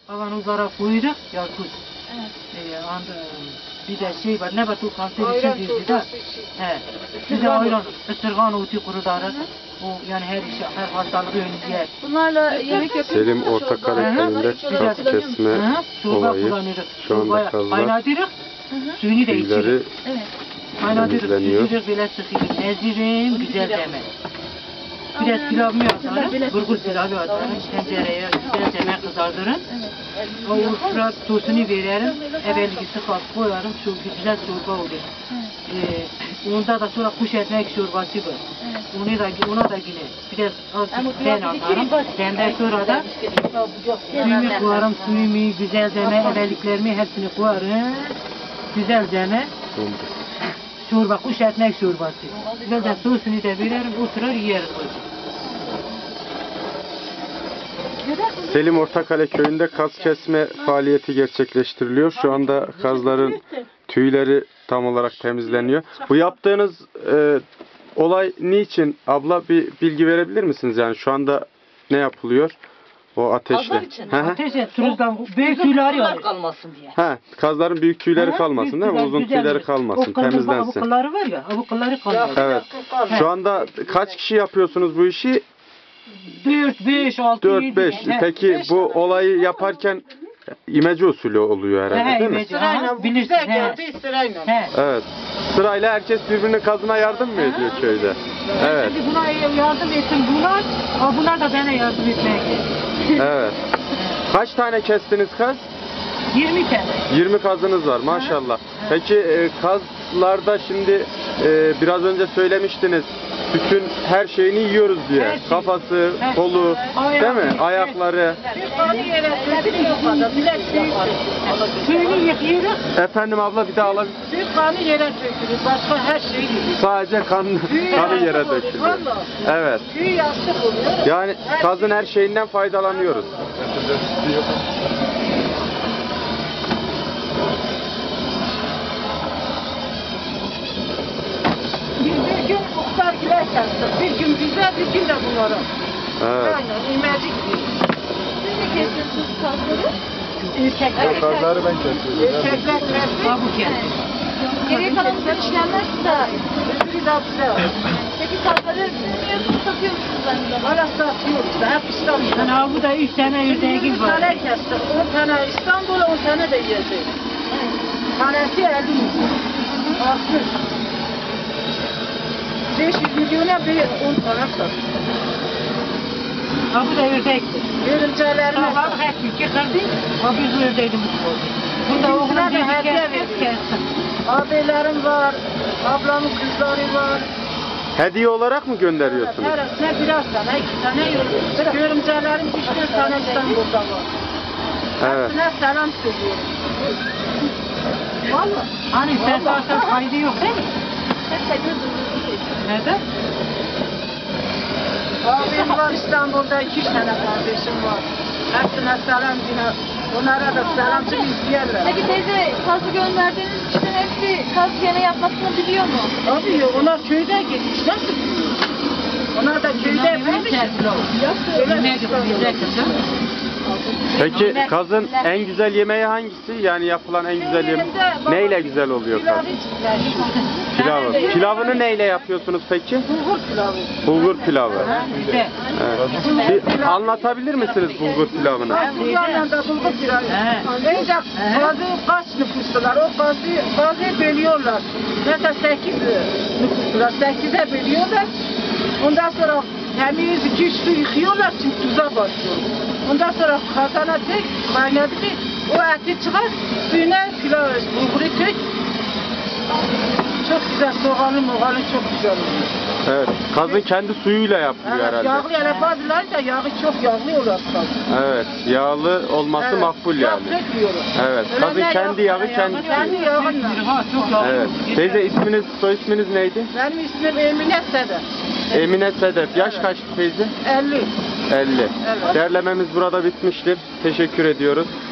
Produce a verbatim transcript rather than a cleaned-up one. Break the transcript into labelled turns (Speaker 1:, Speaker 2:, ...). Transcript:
Speaker 1: Kavanozlara koyuyoruz, yakut.
Speaker 2: Evet.
Speaker 1: Ee, and, bir de şey var, ne var o kanser için diyordu da. He. Bir de ayran, ısırgan otu kurudarız. O yani her işe, her hastalığı önlüyor.
Speaker 2: Bunlarla yemek yapıyor
Speaker 3: Selim
Speaker 2: musunuz?
Speaker 3: Ortakale köyünde kaz kesme olayı şu anda kazlar
Speaker 1: Kaynatırız, suyunu da
Speaker 3: tüyleri
Speaker 1: içiyoruz.
Speaker 2: Evet.
Speaker 1: Kaynatırız,
Speaker 3: temizleniyor.
Speaker 1: süzülür, böyle sıkıyoruz. Ezirim, güzel deme. Biraz pilavımı atarım, burgul pilavı atarım, tencereye güzel deme kızardırırım.
Speaker 2: Evet.
Speaker 1: O biraz sosunu veririm, evvelgisi kap koyarım, çok güzel çorba olur.
Speaker 2: Evet.
Speaker 1: Ee, onda da sonra kuş ekmek çorbası var.
Speaker 2: Evet.
Speaker 1: Onu da, ona da yine biraz azıcık ben atarım. Benden sonra da suyumu koyarım, suyumu, güzel deme, evvelliklerimi hepsini koyarım. Güzel deme. Çorba, kuş ekmek çorbası. Güzel de sosunu da veririm, oturur yeriz.
Speaker 3: Selim Ortakale köyünde kaz kesme faaliyeti gerçekleştiriliyor. Şu anda kazların tüyleri tam olarak temizleniyor. Bu yaptığınız e, olay niçin abla, bir bilgi verebilir misiniz? Yani şu anda ne yapılıyor? O ateşle.
Speaker 4: Kazlar için.
Speaker 3: Hı hı.
Speaker 1: Ateşe, turuzdan büyük tüyleri
Speaker 4: Kazlar
Speaker 1: alır.
Speaker 4: kalmasın diye.
Speaker 3: Ha, kazların büyük tüyleri kalmasın değil mi? Uzun tüyleri kalmasın, temizlensin.
Speaker 1: O kılları var ya, o kılları kalmıyor.
Speaker 3: Evet. Şu anda kaç kişi yapıyorsunuz bu işi?
Speaker 1: dört, beş, altı, yedi.
Speaker 3: dört beş. Peki bu olayı yaparken imece usulü oluyor herhalde değil mi?
Speaker 1: Sırayla bilirsin. He.
Speaker 4: Sırayla.
Speaker 1: He.
Speaker 3: Evet. Sırayla herkes birbirinin kazına yardım mı ediyor köyde? Evet.
Speaker 1: Şimdi buna yardım ettim bunlar, ama bunlar da bana yardım etmeye geldi.
Speaker 3: Evet. Kaç tane kestiniz kaz?
Speaker 1: yirmi tane.
Speaker 3: yirmi kazınız var maşallah. Peki e, kazlarda şimdi e, biraz önce söylemiştiniz, bütün her şeyini yiyoruz diye.
Speaker 1: Her şey.
Speaker 3: Kafası,
Speaker 1: Her
Speaker 3: kolu,
Speaker 1: şey.
Speaker 3: değil mi?
Speaker 1: Ayağı.
Speaker 3: Ayakları.
Speaker 1: Suyunu yıkıyoruz,
Speaker 3: Efendim abla, bir daha alabilir.
Speaker 4: Süt kanı yere dökülür. Başka her şey yiyor.
Speaker 3: Sadece kan, kanı yere dökülüyor. Evet.
Speaker 4: Tüy yastık oluyor.
Speaker 3: Yani kazın her şeyinden faydalanıyoruz.
Speaker 4: Biz bir gün muhtargiler kestik. Bir gün bize, bir gün de bunlara.
Speaker 3: Evet.
Speaker 4: Aynen, imecik gibi.
Speaker 2: Siz de kesiyorsunuz kazları.
Speaker 4: Erkekler.
Speaker 3: Kazları ben kesiyorum.
Speaker 4: Erkekler kestik.
Speaker 1: kabuk yer.
Speaker 2: Geriye kalan bütün işlemler size ait.
Speaker 4: Öbürü de bize.
Speaker 2: Peki kazları siz mi yiyorsunuz, satıyor musunuz aynı zamanda?
Speaker 4: Hala satıyoruz da hep İstanbul'da.
Speaker 1: Yani bu da üç tane ördeğimiz
Speaker 4: yüz
Speaker 1: var.
Speaker 4: tane kestik. on tane İstanbul'a, on tane de yiyeceğiz. Tanesi elli milyon. altmış. beş yüz milyona bir on tane sattık.
Speaker 1: Ha bu da ördektir.
Speaker 4: Görümcelerine
Speaker 1: Sabah her iki kırdı, ha biz bu ördeğimiz oldu. Burada oğlum
Speaker 4: Bizimkiler de
Speaker 1: dedi
Speaker 4: hediye
Speaker 1: kes,
Speaker 4: veriyor.
Speaker 1: kes, kessin.
Speaker 4: abilerim var, ablamın kızları var.
Speaker 3: Hediye olarak mı gönderiyorsunuz?
Speaker 4: Her birer tane, iki tane yok. Görümcelerim üç dört tane İstanbul'da var.
Speaker 3: Evet.
Speaker 4: Hepsine selam söylüyorum. Vallahi.
Speaker 1: Hani sen varsa kaydı yok değil mi?
Speaker 2: Hep sayıyorsunuz.
Speaker 1: Neden?
Speaker 4: Abim var İstanbul'da, iki üç tane kardeşim var. Hepsine selam yine. Onlara da selamcı izleyenler.
Speaker 2: Peki teyze, kazı gönderdiğiniz kişinin hepsi kaz yeme yapmasını biliyor mu?
Speaker 4: Abi onlar köyde gitmiş, nasıl biliyor? Onlar da köyde yapmış.
Speaker 1: Yemeğe bize kızım.
Speaker 3: Peki kazın en güzel yemeği hangisi? Yani yapılan en güzel yemek. Neyle güzel oluyor kaz? Pilavı. Pilavını neyle yapıyorsunuz peki?
Speaker 4: Bulgur pilavı.
Speaker 3: Bulgur pilavı.
Speaker 1: Güzel.
Speaker 3: Evet. Bir anlatabilir misiniz bulgur pilavını?
Speaker 4: Bu yanında bulgur pilavı.
Speaker 1: He.
Speaker 4: Önce bazı kaç nüfuslular, o bazı, bazı bölüyorlar. Mesela sekiz nüfuslular, sekize bölüyorlar. Ondan sonra temiz iki üç su yıkıyorlar, çünkü tuza basıyor. Ondan sonra kazana tek kaynadı ki o eti çıkar, suyuna pilav, bulguru tek. Çok güzel, soğanı moğanı çok güzel oluyor.
Speaker 3: Evet. Kazın kendi suyuyla yapılıyor
Speaker 4: Evet,
Speaker 3: herhalde.
Speaker 4: yağlı yani bazıları da yağı çok yağlı olur kazın.
Speaker 3: Evet. Yağlı olması
Speaker 4: Evet,
Speaker 3: makbul
Speaker 4: yağ
Speaker 3: yani.
Speaker 4: dökmüyoruz.
Speaker 3: Evet.
Speaker 4: Öyle
Speaker 3: Kazın
Speaker 4: ne
Speaker 3: kendi
Speaker 4: yağı-
Speaker 3: yağı, kendi
Speaker 4: Kendi
Speaker 3: suyu.
Speaker 4: yağınla.
Speaker 1: Ha çok yağlı.
Speaker 3: Evet. Teyze isminiz, soy isminiz neydi?
Speaker 4: Benim ismim Emine Sedef.
Speaker 3: Emine Sedef. Yaş kaç teyze?
Speaker 4: elli.
Speaker 3: elli.
Speaker 4: Evet.
Speaker 3: Derlememiz burada bitmiştir. Teşekkür ediyoruz.